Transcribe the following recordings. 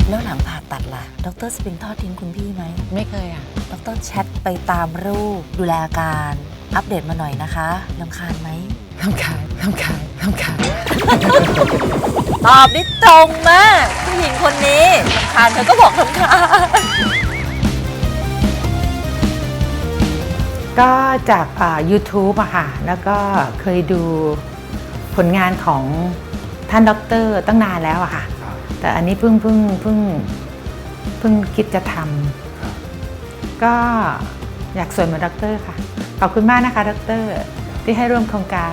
แล้วหลังผ่าตัดล่ะดร.สปริงทอดทิ้งคุณพี่ไหมไม่เคยอ่ะดร.แชทไปตามรูปดูแลอาการอัปเดตมาหน่อยนะคะรำคาญไหมรำคาญตอบได้ตรงมากผู้หญิงคนนี้รำคาญเธอก็บอกรำคาญก็จากYouTube อะค่ะแล้วก็เคยดูผลงานของท่านด็อกเตอร์ตั้งนานแล้วอะค่ะแต่อันนี้เพิ่งคิดจะทำก็อยากสวยเหมือนด็อกเตอร์ค่ะขอบคุณมากนะคะด็อกเตอร์ที่ให้ร่วมโครงการ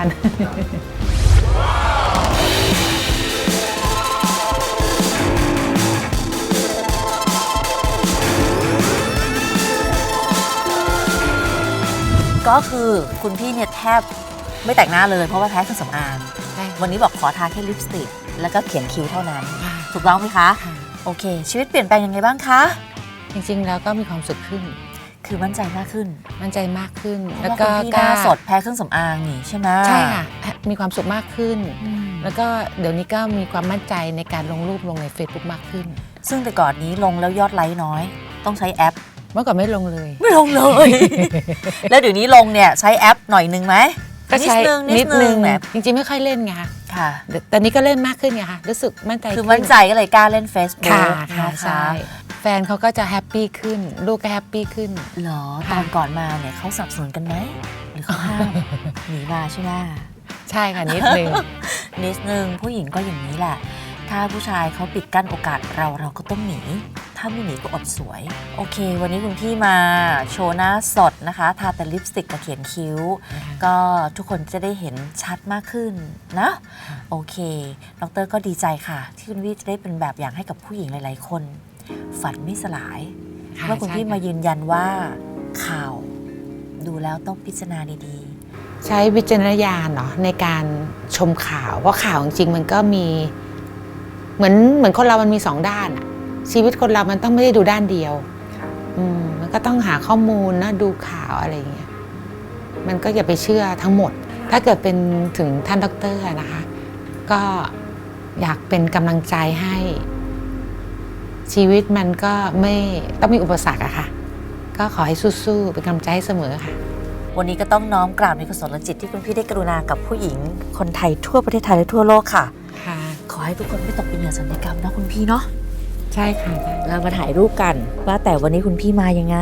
ก็คือคุณพี่เนี่ยแทบไม่แต่งหน้าเลยเพราะว่าแพ้เครื่องสำอางวันนี้บอกขอทาแค่ลิปสติกแล้วก็เขียนคิ้วเท่านั้นถูกต้องไหมคะโอเคชีวิตเปลี่ยนแปลงยังไงบ้างคะจริงๆแล้วก็มีความสุขขึ้นคือมั่นใจมากขึ้นแล้วก็พี่หน้าสดแพ้เครื่องสำอางนี่ใช่ไหมใช่ค่ะมีความสุขมากขึ้นแล้วก็เดี๋ยวนี้ก็มีความมั่นใจในการลงรูปลงใน Facebook มากขึ้นซึ่งแต่ก่อนนี้ลงแล้วยอดไลค์น้อยต้องใช้แอปเมื่อก่อนไม่ลงเลยแล้วเดี๋ยวนี้ลงเนี่ยใช้แอปหน่อยนึงไหมก็ใช้นิดนึงแบบจริงๆไม่ค่อยเล่นไงค่ะแต่นี้ก็เล่นมากขึ้นไงค่ะรู้สึกมั่นใจคือมั่นใจก็เลยกล้าเล่น Facebook ค่ะใช่แฟนเขาก็จะแฮปปี้ขึ้นลูกก็แฮปปี้ขึ้นหรอตอนก่อนมาเนี่ยเขาสนับสนุนกันไหมหรือเขาห้ามหนีมาใช่ไหมใช่ค่ะนิดนึงผู้หญิงก็อย่างนี้แหละถ้าผู้ชายเขาปิดกั้นโอกาสเราก็ต้องหนีถ้าไม่หนีก็อดสวยโอเควันนี้คุณพี่มาโชว์หน้าสดนะคะทาแต่ลิปสติกกับเขียนคิ้วก็ทุกคนจะได้เห็นชัดมากขึ้นนะโอเคดร.ก็ดีใจค่ะที่คุณพี่จะได้เป็นแบบอย่างให้กับผู้หญิงหลายๆคนฝันไม่สลายเมื่อคุณพี่มายืนยันว่าข่าวดูแล้วต้องพิจารณาดีๆใช้วิจารณญาณเนาะในการชมข่าวเพราะข่าวจริงๆมันก็มีเหมือนคนเรามันมี2ด้านชีวิตคนเรามันต้องไม่ได้ดูด้านเดียวมันก็ต้องหาข้อมูลนะดูข่าวอะไรอย่างเงี้ยมันก็อย่าไปเชื่อทั้งหมดถ้าเกิดเป็นถึงท่านด็อกเตอร์นะคะก็อยากเป็นกำลังใจให้ชีวิตมันก็ไม่ต้องมีอุปสรรคอะค่ะก็ขอให้สู้ๆเป็นกำลังใจให้เสมอค่ะวันนี้ก็ต้องน้อมกราบในกุศลจิตที่คุณพี่ได้กรุณากับผู้หญิงคนไทยทั่วประเทศไทยและทั่วโลกค่ะขอให้ทุกคนไม่ตกเป็นเหยื่อสัญญกรรมนะคุณพี่เนาะใช่ค่ะเรามาถ่ายรูปกันว่าแต่วันนี้คุณพี่มายังไง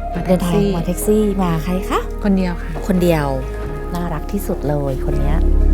เดินทางมาแท็กซี่มาใครคะคนเดียวค่ะคนเดียวน่ารักที่สุดเลยคนนี้